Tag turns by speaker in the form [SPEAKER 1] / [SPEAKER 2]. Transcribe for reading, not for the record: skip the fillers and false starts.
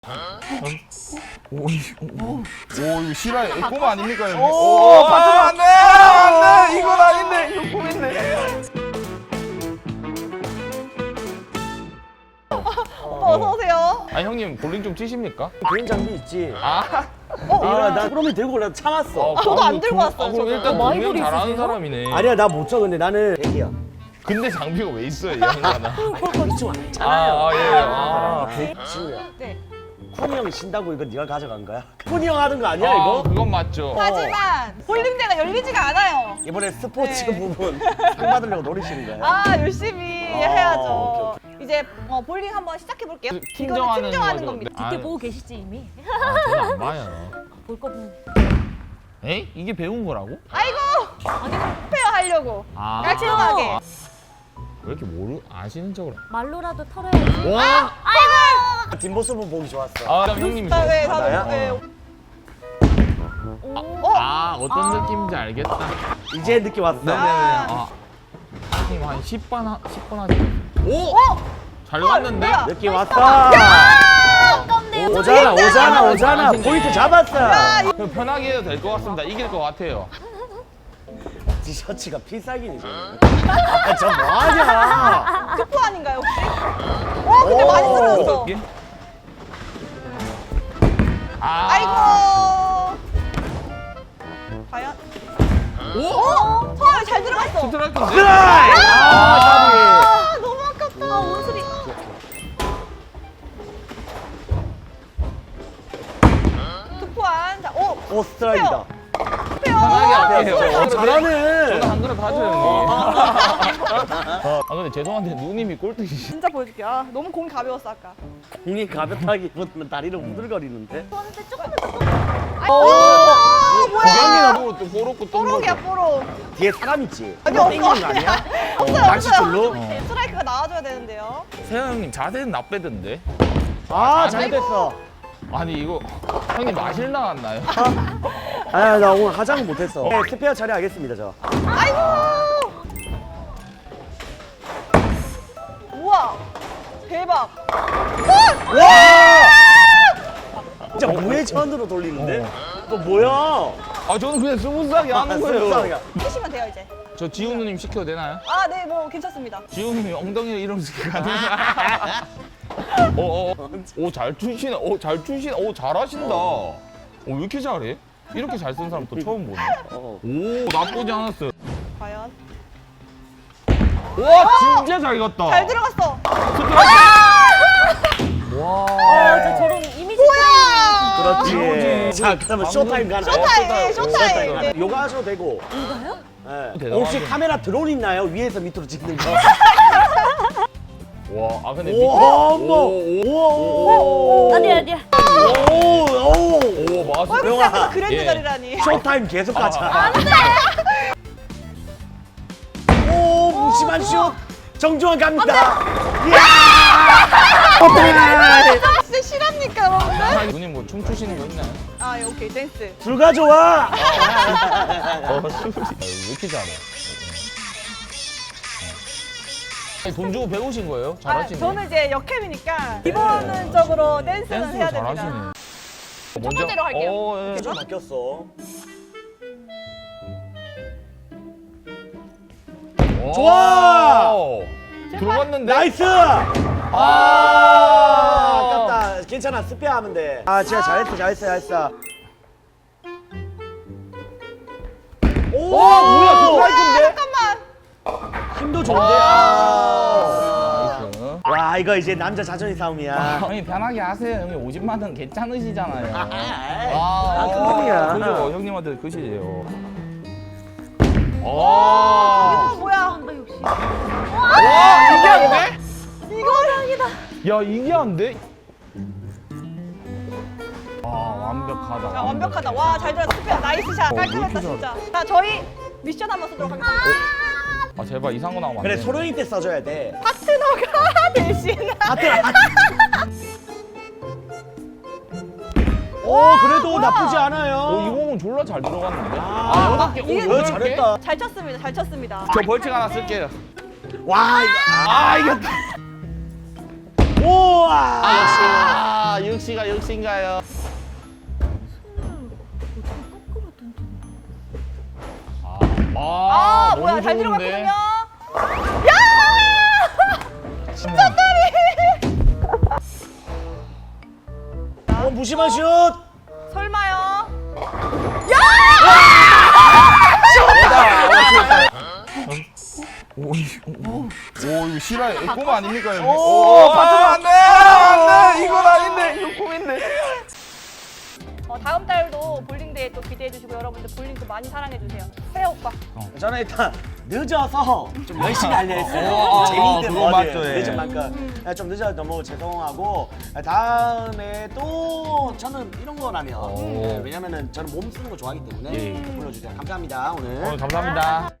[SPEAKER 1] 오, 이거 실화 꿈 아닙니까? 형님?
[SPEAKER 2] 오,
[SPEAKER 1] 받으면 안 돼! 안 돼! 이건 아닌데! 이거 꿈인데!
[SPEAKER 2] 오빠 어서 오세요.
[SPEAKER 1] 아, 형님 볼링 좀 치십니까?
[SPEAKER 3] 개인 장비 있지.
[SPEAKER 1] 아,
[SPEAKER 3] 나 그러면 들고 올라 참았어.
[SPEAKER 2] 저도 안 들고 왔어요,
[SPEAKER 1] 그럼
[SPEAKER 2] 저도.
[SPEAKER 1] 일단
[SPEAKER 4] 많이
[SPEAKER 1] 동영
[SPEAKER 4] 볼이
[SPEAKER 1] 잘하는
[SPEAKER 4] 있으세요?
[SPEAKER 1] 사람이네.
[SPEAKER 3] 아니야, 나 못 쳐. 근데 나는 애기야.
[SPEAKER 1] 근데 장비가 왜 있어요, 이 양반아?
[SPEAKER 3] 이쪽 않잖아요.
[SPEAKER 1] 예.
[SPEAKER 3] 지우야.
[SPEAKER 2] 네.
[SPEAKER 3] 쿤이 형이 신다고 이거 네가 가져간 거야? 쿤이 형 하는 거 아니야
[SPEAKER 1] 아,
[SPEAKER 3] 이거?
[SPEAKER 1] 그건 맞죠.
[SPEAKER 2] 하지만 볼링대가 열리지가 않아요.
[SPEAKER 3] 이번에 스포츠
[SPEAKER 2] 네.
[SPEAKER 3] 부분 상 받으려고 노리시는 거야?
[SPEAKER 2] 아 열심히
[SPEAKER 3] 아,
[SPEAKER 2] 해야죠. 이제 볼링 한번 시작해 볼게요. 이거는 팀정하는
[SPEAKER 1] 거죠.
[SPEAKER 2] 겁니다.
[SPEAKER 1] 아,
[SPEAKER 4] 그때 보고 계시지 이미?
[SPEAKER 1] 저도 안 봐요.
[SPEAKER 4] 볼 거면
[SPEAKER 1] 에이? 이게 배운 거라고?
[SPEAKER 2] 아이고 페어 하려고
[SPEAKER 1] 아.
[SPEAKER 2] 깔끔하게.
[SPEAKER 1] 왜 이렇게 아시는 척을?
[SPEAKER 4] 말로라도 털어야지.
[SPEAKER 1] 와!
[SPEAKER 3] 뒷모습은 보기 좋았어.
[SPEAKER 1] 아, 그럼 형님이.
[SPEAKER 2] 네,
[SPEAKER 3] 아, 나야?
[SPEAKER 2] 다들 네.
[SPEAKER 4] 오.
[SPEAKER 1] 아, 어떤 느낌인지 알겠다.
[SPEAKER 3] 이제 느낌 왔어.
[SPEAKER 1] 네네네. 아, 형님 한 10번 하시면. 오! 잘 갔는데?
[SPEAKER 2] 뭐야?
[SPEAKER 3] 느낌 왔어.
[SPEAKER 4] 아깝네요.
[SPEAKER 3] 오잖아.
[SPEAKER 1] 잘하시네.
[SPEAKER 3] 포인트 잡았어.
[SPEAKER 1] 그럼 편하게 해도 될 것 같습니다. 이길 것 같아요.
[SPEAKER 3] 티셔츠가 필살기니. 아, 저 뭐하냐?
[SPEAKER 2] 투포 아닌가요 혹시? 근데 많이 쓰러졌어.
[SPEAKER 1] 이게? 아.
[SPEAKER 2] 아이고. 과연?
[SPEAKER 1] 오!
[SPEAKER 2] 서울 잘 들어갔어.
[SPEAKER 1] 스트라이크인데?
[SPEAKER 3] 드라이!
[SPEAKER 2] 아 너무 아깝다.
[SPEAKER 4] 원수리.
[SPEAKER 2] 투포한. 자,
[SPEAKER 3] 오, 스트라이크다.
[SPEAKER 2] 페어.
[SPEAKER 1] 편하게 할게요.
[SPEAKER 3] 잘하네.
[SPEAKER 1] 저도 한 그릇 하죠, 형님. 아, 근데 죄송한데 누님이 꼴등이시.
[SPEAKER 2] 진짜 보여줄게요. 아, 너무 공이 가벼웠어 아까.
[SPEAKER 3] 공이 가볍다기보다는 다리를 우들거리는데?
[SPEAKER 4] 저한테 조금만 더.
[SPEAKER 2] 오, 뭐야?
[SPEAKER 1] 고양이가 또 뽀록고
[SPEAKER 2] 뽀록이야 뽀록.
[SPEAKER 3] 뒤에 사람 있지?
[SPEAKER 2] 아니,
[SPEAKER 3] 너
[SPEAKER 2] 없어.
[SPEAKER 3] 땡기는 거 아니야?
[SPEAKER 2] 없어요,
[SPEAKER 3] 낚시줄로?
[SPEAKER 2] 없어요. 스트라이크가 나와줘야 되는데요.
[SPEAKER 1] 세영 형님 자세는 나빼던데.
[SPEAKER 3] 아, 잘됐어.
[SPEAKER 1] 아니 이거 형님 마실 나왔나요?
[SPEAKER 3] 아, 나 오늘 화장은 못했어. 네, 스페어 처리하겠습니다, 저.
[SPEAKER 2] 아이고. 우와. 대박.
[SPEAKER 3] 와! 진짜 우회전으로 돌리는데? 또 뭐야?
[SPEAKER 1] 아 저는 그냥 스무스하게 하는 거예요.
[SPEAKER 2] 하시면 돼요 이제.
[SPEAKER 1] 저 지훈 누님 시켜도 되나요?
[SPEAKER 2] 아, 네, 뭐 괜찮습니다.
[SPEAKER 1] 지훈 누님 엉덩이를 이러면서 가능해요? 오, 잘 추시네. 오, 잘 추시네. 오, 잘하신다. 오, 왜 이렇게 잘해? 이렇게 잘 쓰는 사람 또 처음 보네. 오, 나쁘지 않았어요.
[SPEAKER 2] 과연.
[SPEAKER 1] 와, 진짜 잘 갔다.
[SPEAKER 2] 잘 들어갔어.
[SPEAKER 1] 와.
[SPEAKER 4] 저 저런 이미지.
[SPEAKER 2] 뭐야?
[SPEAKER 3] 그렇지. 자, 그러면 쇼타임 가나?
[SPEAKER 2] 쇼타임, 쇼타임. 네.
[SPEAKER 3] 요가 하셔도 되고.
[SPEAKER 4] 이거요?
[SPEAKER 3] 네.
[SPEAKER 1] 대단하네.
[SPEAKER 3] 혹시 카메라 드론 있나요? 위에서 밑으로 찍는 거?
[SPEAKER 1] 와, 아 근데
[SPEAKER 3] 오, 어머. 오,
[SPEAKER 4] 아니야.
[SPEAKER 3] 오,
[SPEAKER 1] 오, 맞아.
[SPEAKER 2] 월급장에서 그랜드
[SPEAKER 1] 예.
[SPEAKER 2] 자리라니.
[SPEAKER 3] 쇼타임 계속 가자.
[SPEAKER 4] 안 돼.
[SPEAKER 3] 오, 무심한 슛. 정중앙 갑니다. 이야! 쇼타임!
[SPEAKER 2] 진짜 실합니까, 여러분들?
[SPEAKER 1] 아, 누님 뭐 춤추시는 거 있나요?
[SPEAKER 2] 아, 예, 오케이, 댄스.
[SPEAKER 3] 불가 좋아.
[SPEAKER 1] 춤이. 왜 이렇게 잘해? 돈 주고 배우신 거예요?
[SPEAKER 2] 아,
[SPEAKER 1] 잘하시네.
[SPEAKER 2] 저는 이제 역캠이니까 기본적으로 댄스는 해야
[SPEAKER 1] 댄스도
[SPEAKER 2] 됩니다.
[SPEAKER 1] 잘하시네.
[SPEAKER 2] 첫 번째로 할게요.
[SPEAKER 1] 예.
[SPEAKER 3] 좀 바뀌었어.
[SPEAKER 1] 오.
[SPEAKER 3] 좋아!
[SPEAKER 1] 들어갔는데?
[SPEAKER 3] 나이스!
[SPEAKER 1] 아,
[SPEAKER 3] 아깝다. 괜찮아. 스페어 하면 돼. 아, 진짜 잘했어. 오,
[SPEAKER 1] 뭐야, 스트라이크인데?
[SPEAKER 2] 잠깐만.
[SPEAKER 3] 힘도 좋은데?
[SPEAKER 1] 나이스.
[SPEAKER 3] 와, 이거 이제 남자 자존심 싸움이야.
[SPEAKER 1] 형님 편하게 하세요. 형님 50만 원 괜찮으시잖아요.
[SPEAKER 3] 큰 놈이야.
[SPEAKER 1] 그죠? 형님한테 그시죠.
[SPEAKER 2] 아, 뭐야?
[SPEAKER 4] 한다 역시.
[SPEAKER 1] 와, 이게 안 돼?
[SPEAKER 2] 이거 다행이다.
[SPEAKER 1] 야, 이게 안 돼? 아, 완벽하다.
[SPEAKER 2] 자, 완벽하다. 와, 잘 들었어. 스페어 나이스 샷.
[SPEAKER 1] 왜
[SPEAKER 2] 깔끔했다,
[SPEAKER 1] 이렇게
[SPEAKER 2] 진짜. 자, 저희 미션 한번 쓰도록 하겠습니다.
[SPEAKER 1] 아, 제발 이상한 거 나오면 안
[SPEAKER 3] 그래,
[SPEAKER 1] 돼.
[SPEAKER 3] 소령이 때 써줘야 돼.
[SPEAKER 2] 파트너가 대신.
[SPEAKER 3] 오, 그래도
[SPEAKER 2] 뭐야?
[SPEAKER 3] 나쁘지 않아요.
[SPEAKER 1] 이 공은 졸라 잘 들어갔는데?
[SPEAKER 3] 아,
[SPEAKER 1] 여덟 개.
[SPEAKER 2] 이게
[SPEAKER 1] 오, 여덟 개?
[SPEAKER 3] 잘했다.
[SPEAKER 2] 잘 쳤습니다. 잘 쳤습니다.
[SPEAKER 1] 저 벌칙 하나 쓸게요.
[SPEAKER 3] 와, 이거.
[SPEAKER 1] 아, 이겼다.
[SPEAKER 3] 우와!
[SPEAKER 1] 아, 역시가 역시인가요?
[SPEAKER 2] 아, 뭐야,
[SPEAKER 1] 너무
[SPEAKER 2] 잘
[SPEAKER 1] 좋은데?
[SPEAKER 2] 들어갔거든요.
[SPEAKER 3] 무심한 슛.
[SPEAKER 2] 설마요?
[SPEAKER 1] 오 이거 실화 꿈 아닙니까 형님?
[SPEAKER 3] 오,
[SPEAKER 1] 안돼 이건 아닌데 이거 꿈인데.
[SPEAKER 2] 다음 달도 볼링대회 또 기대해 주시고 여러분들 볼링도 많이 사랑해 주세요. 세아 오빠.
[SPEAKER 3] 저는 일단 늦어서 좀 열심히 하려 했어요.
[SPEAKER 1] 어,
[SPEAKER 3] 재밌는
[SPEAKER 1] 그거
[SPEAKER 3] 거를
[SPEAKER 1] 맞죠, 예.
[SPEAKER 3] 늦은 만큼 좀 늦어서 너무 죄송하고 다음에 또 저는 이런 거라면
[SPEAKER 1] 오.
[SPEAKER 3] 왜냐면은 저는 몸 쓰는 거 좋아하기 때문에
[SPEAKER 1] 예.
[SPEAKER 3] 불러주세요. 감사합니다 오늘.
[SPEAKER 1] 감사합니다.